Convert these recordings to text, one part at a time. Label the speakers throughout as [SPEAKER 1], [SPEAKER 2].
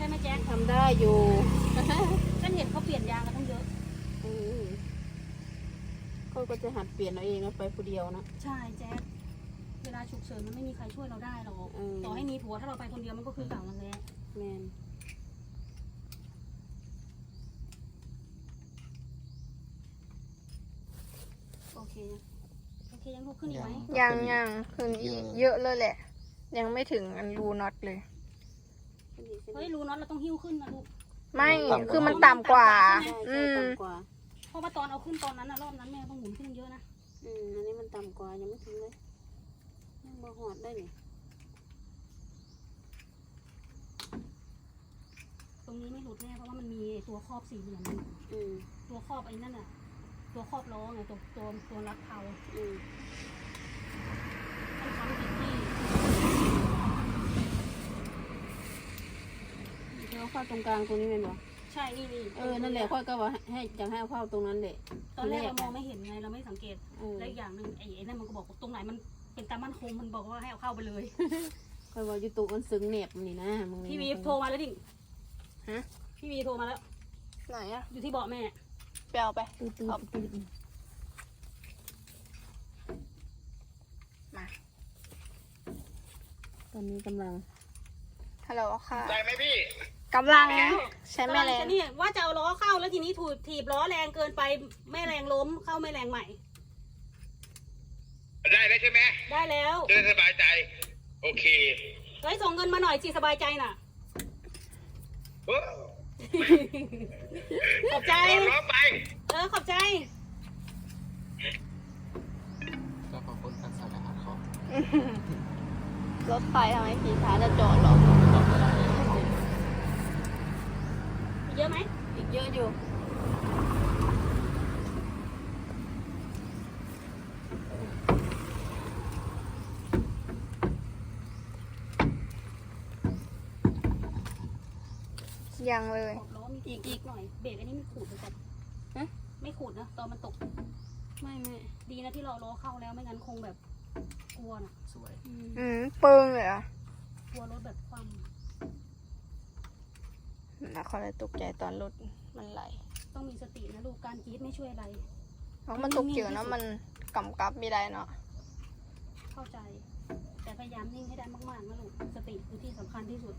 [SPEAKER 1] ช่ไหมแจ๊ค
[SPEAKER 2] ทำได้อยู่
[SPEAKER 1] ฉันเห็นเขาเปลี่ยนยางกันตั้งเยอะ
[SPEAKER 2] เขาก็จะหัดเปลี่ยนเอาเองนะไปผู้เดียวนะ
[SPEAKER 1] ใช่แจ๊คเวลาฉุกเฉินมันไม่มีใครช่วยเราได้หรอกต่อให้มีผัวถ้าเราไปคนเดียวมันก็คือเก่านั่นแหละ
[SPEAKER 2] แมน
[SPEAKER 1] โอเคยังลุกขึ้นอีกไหม
[SPEAKER 3] ยังขึ้นอีกเยอะเลยแหละ ยังไม่ถึงอันรูน็อตเลย
[SPEAKER 1] เฮ้ยรูน็อตเราต้องหิ้วขึ้นนะลูก
[SPEAKER 3] ไม่คือมันต่ำกว่า
[SPEAKER 1] เพราะว่าตอนเอาขึ้นตอนนั้นนะรอบนั้นแม่ต้องหมุนขึ้นเยอะนะ
[SPEAKER 2] อันนี้มันต่ำกว่ายังไม่ถึงเลยยังมาหอดได้นี่
[SPEAKER 1] ตรงนี้ไม่หลุดแน่เพราะว่ามันมีตัวครอบสี่เหลี่ยมตัวครอบไอ้นั่นน่ะตัวครอบล้อไงตัวรัดเผาต้องทำผิดที่
[SPEAKER 2] เราเข้าตรงกลางตรงนี้เป็นหรอ
[SPEAKER 1] ใช่นี่
[SPEAKER 2] นั่นแหละค่อยก็ว่าให้อยากให้เข้าตรงนั้นแหละ
[SPEAKER 1] ตอนแรกเรามองไม่เห็นไงเราไม่สังเกตและอย่างหนึ่งไอ้นั่นมันก็บอกตรงไหนมันเป็นตามั่นคงมันบอกว่าให้เอาเข้าไปเลย
[SPEAKER 2] ค่อยว่ายูทูบมันซึ้งเน็บนี่นะ
[SPEAKER 1] พี่วีโทรมาแล้วดิพี่วีโทรมาแล้ว
[SPEAKER 3] ไหนอะ
[SPEAKER 1] อยู่ที่เบาะแม่
[SPEAKER 3] ไปเอาไป
[SPEAKER 2] ตื่น
[SPEAKER 3] มา
[SPEAKER 2] ตอนนี้กำลัง
[SPEAKER 3] ฮัลโหลค่ะ
[SPEAKER 4] ได้ไหมพี่
[SPEAKER 3] กำลังใช้แม่แรง
[SPEAKER 1] นี่ว่าจะเอาล้อเข้าแล้วทีนี้ถีบล้อแรงเกินไปแม่แรงล้มเข้าแม่แรงใหม่
[SPEAKER 4] ได้แล้วใช่ไหม
[SPEAKER 1] ได้แล้ว
[SPEAKER 4] จะสบายใจโอเค
[SPEAKER 1] เฮ้ยส่งเงินมาหน่อยสิสบายใจน่ะขอบใจ
[SPEAKER 4] ร้องไป
[SPEAKER 1] ขอบใจ
[SPEAKER 5] ก็ขอบคุณท่านสารวัตรเขา
[SPEAKER 3] รถไฟทำไมขี่ช้าจะจอดหรอ
[SPEAKER 1] เยอะไหม
[SPEAKER 2] อีกเยอะอยู่
[SPEAKER 3] ยังเลย
[SPEAKER 1] อีกหน่อยเบรกอันนี้ไม่ขูดเลยจ้ะไม่ขูดนะตอนมันตกไม่ดีนะที่เราล้อเข้าแล้วไม่งั้นคงแบบกลัวน่ะ
[SPEAKER 5] สวย
[SPEAKER 3] เปิงเลยอ่ะ
[SPEAKER 1] กลัวรถแบบคว่
[SPEAKER 3] ำนะเขาเลยตกใจตอนรถมันไหล
[SPEAKER 1] ต้องมีสตินะลูกการกรี๊ดไม่ช่วยอะไร
[SPEAKER 3] เพราะมันตกเกี่ยวนะมันกำกับไม่ได้เนาะ
[SPEAKER 1] เข้าใจแต่พยายามนิ่งให้ได้มากๆนะลูกสติคือที่สำคัญที่สุด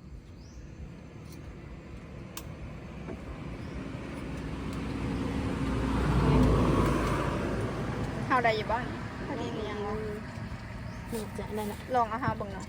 [SPEAKER 3] เฮาได้อยู่บ้างพอดีหรือยัง
[SPEAKER 2] จะได้ละ
[SPEAKER 3] ลองเอาเฮาบังหน่อย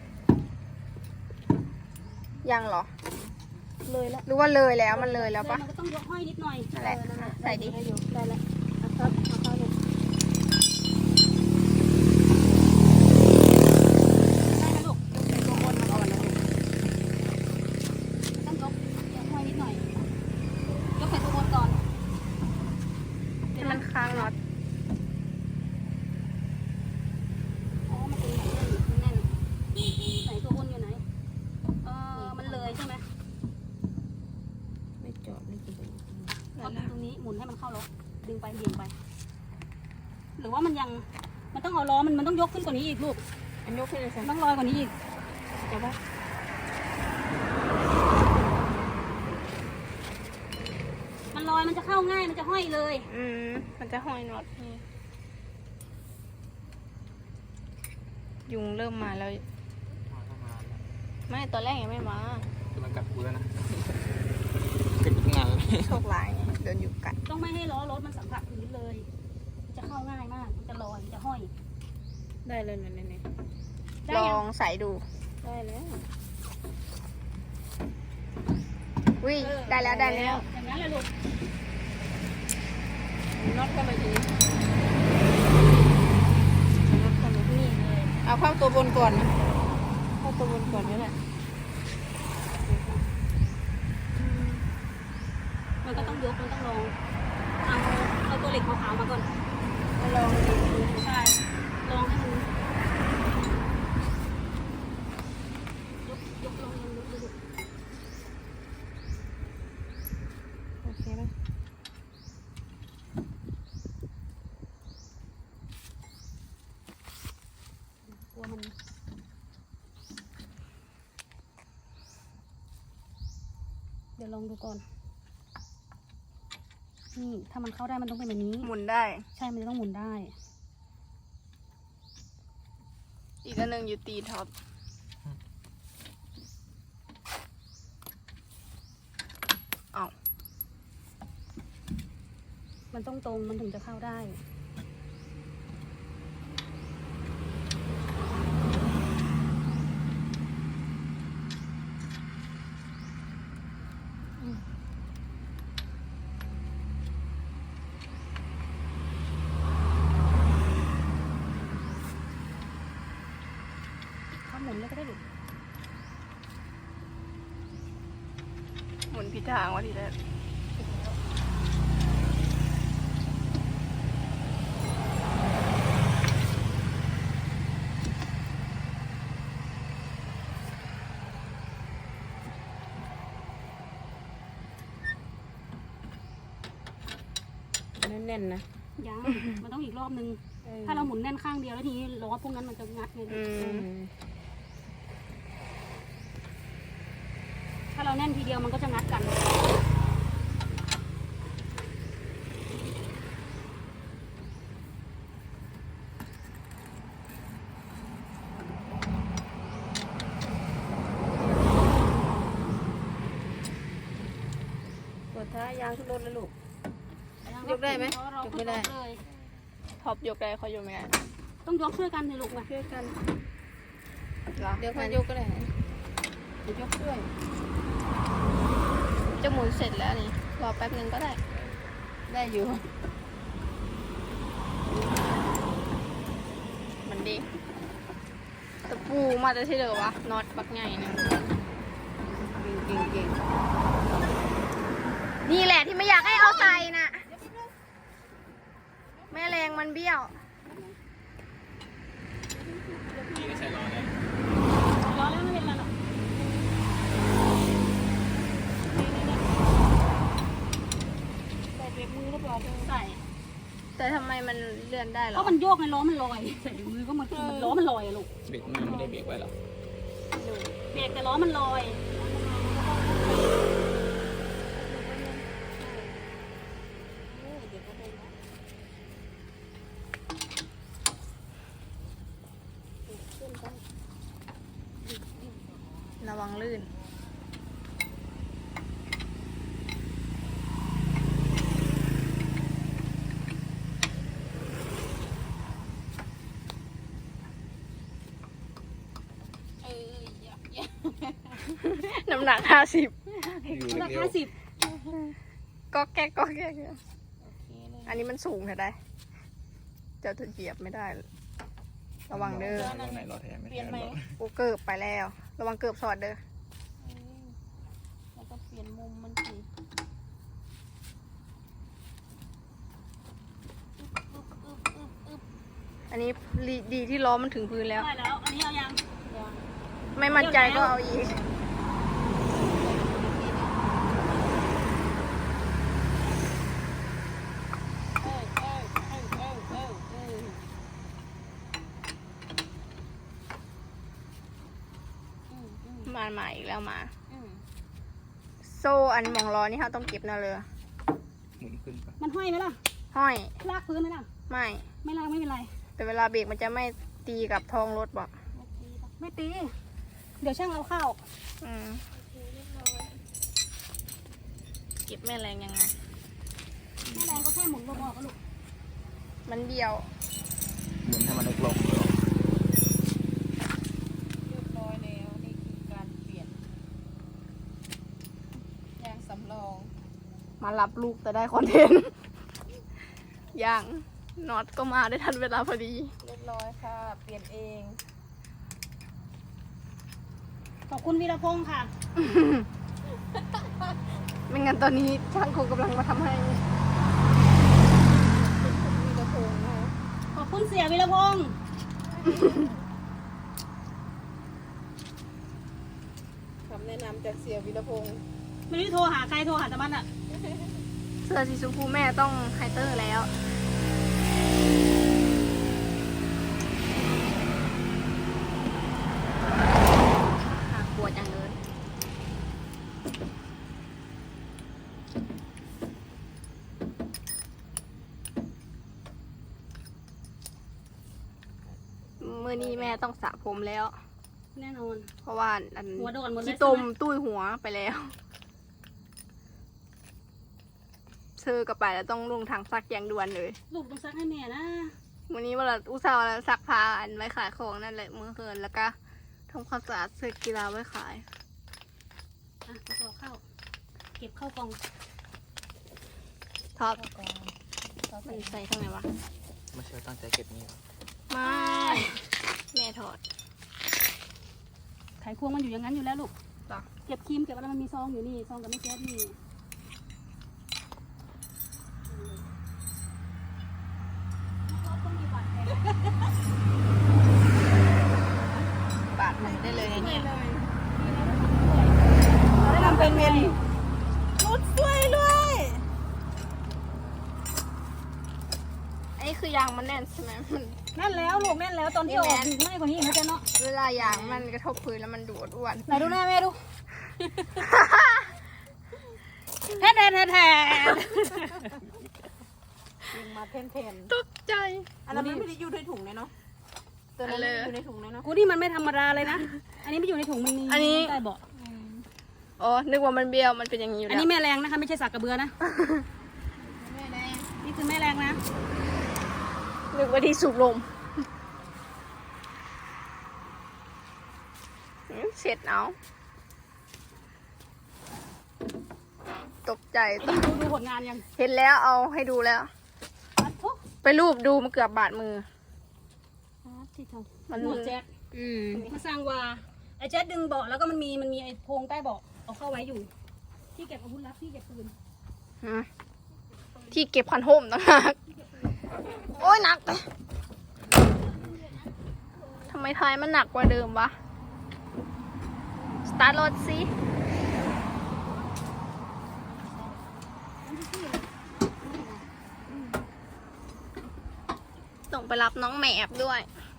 [SPEAKER 3] ยังเหรอ
[SPEAKER 2] เลยแล้ว
[SPEAKER 3] หรือว่าเลยแล้วมันเลยแล้วปะ
[SPEAKER 1] มันก็ต้องยกห้อยนิดหน่อย
[SPEAKER 3] นั่นแหละใส่ดี
[SPEAKER 2] ให้อยู่ได้แล้วครับเอาเข้าเลย
[SPEAKER 1] ได้นะลูกยกใส่ตัวบนมาก่อนนะลูกต้องยกห้อยนิดหน่อยยกใส่ตัวบนก่อน
[SPEAKER 3] ให้มันค้างน็อต
[SPEAKER 1] มันเป็นแน่นใส่ตัวบนอยู่ไหนมันเลยใช่ไหม
[SPEAKER 2] ไม่จอดไม่กิน
[SPEAKER 1] เอาตรงนี้หมุนให้มันเข้าล็อกดึงไปเบี่ยงไปหรือว่ามันต้องเอาล้อมันต้องยกขึ้นกว่านี้อีกลูก
[SPEAKER 2] อันยกขึ้นเลยสิ
[SPEAKER 1] ต้องลอยกว่านี้อีก
[SPEAKER 2] จะว่า
[SPEAKER 1] มันลอยมันจะเข้าง่ายมันจะห้อยเลย
[SPEAKER 3] มันจะห้อยน็อตยุงเริ่มมาแล้วไม่ตอนแรกยังไม่มา
[SPEAKER 5] คือมันกัดกูแล้วนะกัดงาน
[SPEAKER 3] โชคร้ายเดินอยู่กัด
[SPEAKER 1] ต้องไม่ให้ล้อรถมันสัมผัสพื้นเลยมันจะเข้าง่ายมากมันจะลอยมันจะห้อย
[SPEAKER 2] ได้เลยเนี่ย
[SPEAKER 3] ลองใส่ดู
[SPEAKER 2] ได้แล้ว
[SPEAKER 3] วิ่งได้แล้ว
[SPEAKER 1] อย่างนั้นเลยลูก
[SPEAKER 2] น็อตเข้าไปที
[SPEAKER 1] น็อตเข้าไปนี่เลย
[SPEAKER 2] เอาเข้าตัวบนก่อนนะเข้าตัวบนก่อนนี่แหละ
[SPEAKER 1] มันก็ต้องยกมันต้องลองเอาตัวเหล็กขาวๆมาก่อน
[SPEAKER 2] ลองดู
[SPEAKER 1] ใช่ลองให้มันยกลองดู
[SPEAKER 2] โอเคไหม
[SPEAKER 1] กลัวมันเดี๋ยวลองดูก่อนนี่ถ้ามันเข้าได้มันต้องเป็นแบบนี้
[SPEAKER 3] หมุนได้
[SPEAKER 1] ใช่มันจะต้องหมุนได้
[SPEAKER 3] อีกอันหนึ่งอยู่ตีท็อปเอา
[SPEAKER 1] มันต้องตรงมันถึงจะเข้าได้เขาหมุนเลยก็ได้ดิ
[SPEAKER 3] หมุนผิดทางวะทีแรก
[SPEAKER 2] แน่นๆนะ
[SPEAKER 1] ยัง มันต้องอีกรอบนึง ถ้าเราหมุนแน่นข้างเดียวแล้วทีนี้ล้อพวกนั้นมันจะงัดไงลูกถ้าเราแน่นทีเดียวมันก็จะงัดกัน
[SPEAKER 2] กดท้ายยางขึ้นรถแล้วลูก ยกได้ไหมยกไม่ได้
[SPEAKER 1] เลย
[SPEAKER 3] ท็อปยกได้เขายกไม่ได้
[SPEAKER 1] ต้องยกช่วยกันเลยลูกมา
[SPEAKER 2] ช่วยกัน
[SPEAKER 3] เหรอ
[SPEAKER 2] เดี๋ยวค่อยยกก็ได้เดี๋ยวยกด้วย
[SPEAKER 3] จะหมุนเสร็จแล้วนี่รอแป๊บนึงก็ได้
[SPEAKER 2] ได้อยู่
[SPEAKER 3] มันดีตะปูมาจะที่เดิมวะน็อตบักใหญ่หนึง
[SPEAKER 2] เก่ง
[SPEAKER 3] นี่แหละที่ไม่อยากให้เอาใส่น่ะ แม่แรงมันเบี้ยว
[SPEAKER 5] พี่ก็ใช้ล้อเลย
[SPEAKER 1] ล้อแล้วไม่เป็นไรหรอกใส่เบรกมือเรียบร้อยเลยใส่
[SPEAKER 3] แต่ทำไมมันเลื่อนได้เหร
[SPEAKER 1] เพ
[SPEAKER 3] อ
[SPEAKER 1] ราะมันโยกไงล้อมันลอยใส่เบรกมือก็มันล้อมันลอยอะลูก
[SPEAKER 5] เบรกมือไม่ได้เบรกไว้หรอ
[SPEAKER 1] เบรกแต่ล้อมันลอย
[SPEAKER 3] ระวังลื่น น้ำหนัก50
[SPEAKER 5] อยู่
[SPEAKER 1] รา
[SPEAKER 5] เร็
[SPEAKER 1] คาว 10
[SPEAKER 3] ก็แก๊กก็แก๊กอันนี้มันสูงเถอะได้เจ้าจะเหยียบไม่ได้ ระวังเด้อ
[SPEAKER 5] ล้อไหนล้อแท้ไม่แท้ล้อ
[SPEAKER 3] กูเกิบไปแล้ว ระวังเกิบสอดเด้อ
[SPEAKER 2] แล้วก็เปลี่ยนมุมมันสิ
[SPEAKER 3] อันนี้ดีที่ล้อมันถึงพื้นแล้ว
[SPEAKER 1] ได้แล้ว อันนี้เอายัง
[SPEAKER 3] ไม่มั่นใจก็เอาอีก มาอีกแล้วมา โซ่อันหมองล้อนี่เขาต้องเก็บนะเลย
[SPEAKER 5] หมุนขึ้นปะ
[SPEAKER 1] มันห้อยไหมล่ะ
[SPEAKER 3] ห้อย
[SPEAKER 1] ลากพื้นไหมล่ะ
[SPEAKER 3] ไม่
[SPEAKER 1] ไม่ลากไม่เป็นไร
[SPEAKER 3] แต่เวลาเบรกมันจะไม่ตีกับท้องรถบอก
[SPEAKER 1] ไม่ตี เดี๋ยวช่างเอาเข้า
[SPEAKER 3] อืมเก็บแม่แรงยังไง
[SPEAKER 1] แม่แรงก็แค่หมุนรอบๆก็ลูก
[SPEAKER 3] มันเบี้ยว
[SPEAKER 5] หมุนให้มันเล็กลง
[SPEAKER 2] เรียบร้อยแล้วนี่คือการเปลี่ยนยางสำรอง
[SPEAKER 3] มารับลูกแต่ได้คอนเทนต์ อย่างน็อตก็มาได้ทันเวลาพอดี
[SPEAKER 2] เรียบร้อยค่ะ เปลี่ยนเอง
[SPEAKER 1] ขอบคุณวีรพงษ์ค่ะ
[SPEAKER 3] ไม่งั้นตอนนี้ช่างคงกำลังมาทำให้
[SPEAKER 2] มีกระโปรงนะ
[SPEAKER 1] ขอบคุณเสียวีรพงษ์
[SPEAKER 2] คำแนะนำจากเสียวีรพงษ์
[SPEAKER 1] ไม่ได้โทรหาใครโทรหาแต่มันอะ
[SPEAKER 3] เสื้อสีชมพูแม่ต้องไฮเตอร์แล้วปวดอย่างเดินนี้แม่ต้องสระผมแล้ว
[SPEAKER 1] แน่นอน
[SPEAKER 3] เพราะว่าอัน
[SPEAKER 1] หัวโดนหมดเลย
[SPEAKER 3] ขี้ต้ม
[SPEAKER 1] ใช่ไหม
[SPEAKER 3] ตุ้ยหัวไปแล้วซื้อกลับไปแล้วต้องลงทางซักอย่างด่วนเลย
[SPEAKER 1] ลูกต้องซักให้แม่นะ
[SPEAKER 3] วันนี้เวลาอุตส่าห์ว่าซักผ้าอันไว้ขายของนั่นแหละมื้อคืนแล้วก็ทำความสะอาดเสื้อกีฬาไว้ขาย
[SPEAKER 1] อ่ะกระสอบเข้า เก็บเข้ากล่อง
[SPEAKER 3] ท็อปมันใส่ข้างไหนวะ
[SPEAKER 5] ไม่ใช่ตั้งใจเก็บนี่
[SPEAKER 3] ไม่แม่ถอด
[SPEAKER 1] ไขควงมันอยู่อย่างนั้นอยู่แล้วลูก
[SPEAKER 3] จ้ะ
[SPEAKER 1] เก็บครีมเก็บอะไรมันมีซองอยู่นี่ซองกับไม่แก๊สนี่
[SPEAKER 3] ปาดมันได้เลยเนี่ย
[SPEAKER 1] ทำเป็นเมน
[SPEAKER 3] รุดช่วยด้วยอันนี้คือยางมันแน่นใช่ไหมมัน
[SPEAKER 1] แน่นแล้วลูกแน่นแล้วตอนที่ออกถึงไม่กว่านี้อีกนะจ๊ะเนาะ
[SPEAKER 3] เวลายางมันกระทบพื้นแล้วมันดูดอ้วน
[SPEAKER 1] ไหนดูหน้าแม่ดูแทนแทนแทนแทน
[SPEAKER 2] มาเทน
[SPEAKER 3] ตกใจ
[SPEAKER 2] อันนั้นมันไม่ได้อยู่ในถุงเลยเนาะตัวนั้นอยู่ในถุงเลยเนาะ
[SPEAKER 1] กูนี่มันไม่ธรรมดาเลยนะ อันนี้ไม่อยู่ในถุงมันมี
[SPEAKER 3] อันนี้
[SPEAKER 1] ใต้เบาะ
[SPEAKER 3] อ๋อนึกว่ามันเบี้ยวมันเป็นอย่างนี้อยู่
[SPEAKER 1] อัน
[SPEAKER 3] แล้ว
[SPEAKER 1] นี้แม่แรงนะคะไม่ใช่สักกระเบือนะ นี่คือแม่แรงนะ
[SPEAKER 3] นึกว่าที่สูบลมเช็ดเอาตกใจ
[SPEAKER 1] นี่ดูผลงานยัง
[SPEAKER 3] เห็นแล้วเอาให้ดูแล้ว
[SPEAKER 1] อัดทุก
[SPEAKER 3] ไปรูปดูมันเกือบบาดมือ
[SPEAKER 1] ที่ท
[SPEAKER 3] มัน
[SPEAKER 1] ำหมวดแจ๊ดมาสร้างว่าไอ้แจ๊ดดึงเบาะแล้วก็มันมีไอ้โพรงใต้เบาะเอาเข้าไว้อยู่ ที่เก็บอาวุธลับที่เก็บปืน
[SPEAKER 3] ที่เก็บคันห่มต่างหากโอ้ยหนักทำไมท้ายมันหนักกว่าเดิมวะ สตาร์ทรถสิต้องไปรับน้องแหมบด้วย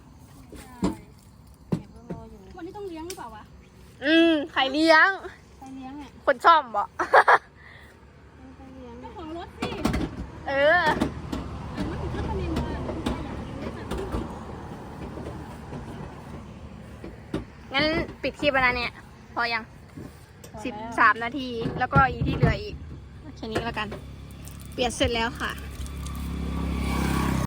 [SPEAKER 1] วันนี้ต้องเลี้ยงหรือเปล่าวะ
[SPEAKER 3] ใครเลี้ยง
[SPEAKER 1] ใครเลี้ยงอ่ะ
[SPEAKER 3] คนซ่อมบ่
[SPEAKER 1] ใครเลี้ยงเจ้าของรถสิ
[SPEAKER 3] เออ
[SPEAKER 1] มันถึงขั้นตอนนี้มาอยากเลี้ยงสัตว์
[SPEAKER 3] งั้นปิดคลิปแล้วนะเนี่ย พอยัง 13 นาที แล้วก็อีกที่เหลืออีกแค่นี้แล้วกัน เปลี่ยนเสร็จแล้วค่ะ